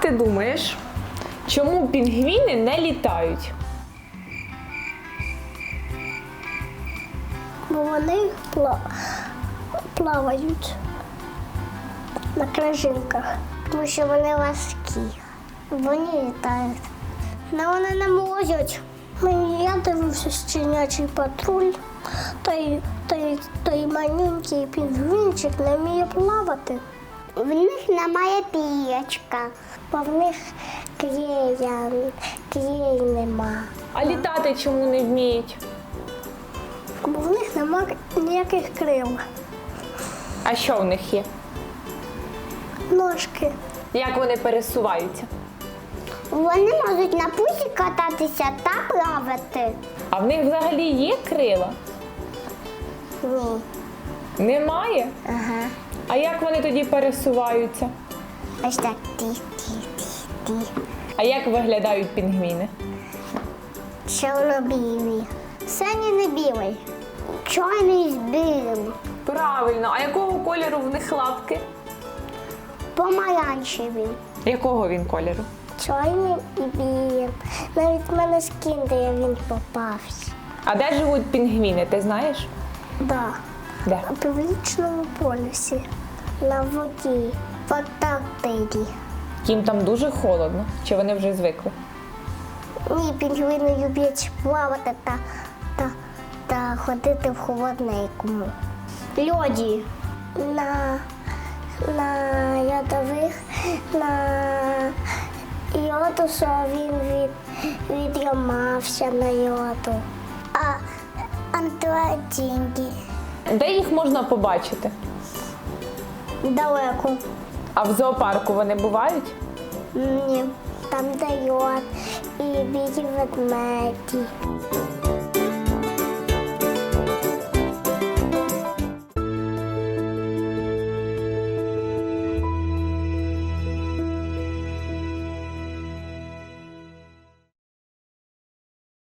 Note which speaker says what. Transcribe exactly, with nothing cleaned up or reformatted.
Speaker 1: ти думаєш, чому пінгвіни не літають?
Speaker 2: Бо вони пла- плавають на крижинках, тому що вони важкі. Вони літають. Але вони не можуть. Мені- Я дивився «Щенячий патруль», той, той, той маленький пінгвінчик не вміє плавати. В них немає пір'ячка, бо в них клея, клеї нема.
Speaker 1: А літати чому не вміють?
Speaker 2: Бо в них немає ніяких крил.
Speaker 1: А що в них є?
Speaker 2: Ножки.
Speaker 1: Як вони пересуваються?
Speaker 2: Вони можуть на пузі кататися та плавати.
Speaker 1: А в них взагалі є крила?
Speaker 2: Ні.
Speaker 1: Немає?
Speaker 2: Ага.
Speaker 1: А як вони тоді пересуваються?
Speaker 2: Ось так ті-ті-ті-ті.
Speaker 1: А як виглядають пінгвіни?
Speaker 2: Чорно-білий. Синій не білий. Чорний з білим.
Speaker 1: Правильно, а якого кольору в них лапки?
Speaker 2: Помаранчевий.
Speaker 1: Якого він кольору?
Speaker 2: Чорний і білим. Навіть в мене з кіндея він попався.
Speaker 1: А де живуть пінгвіни, ти знаєш?
Speaker 2: Да.
Speaker 1: Де?
Speaker 2: У північному полюсі. На воді. В Антарктиді.
Speaker 1: Їм там дуже холодно, чи вони вже звикли?
Speaker 2: Ні, пінгвіни люблять плавати та, та, та ходити в холодненькому. Льоді. На, на ядових, на йоду, що він від, відламався на йоду. А Антарктиді.
Speaker 1: Де їх можна побачити?
Speaker 2: Далеко.
Speaker 1: А в зоопарку вони бувають?
Speaker 2: Ні. Там де йод і білі ведмеді.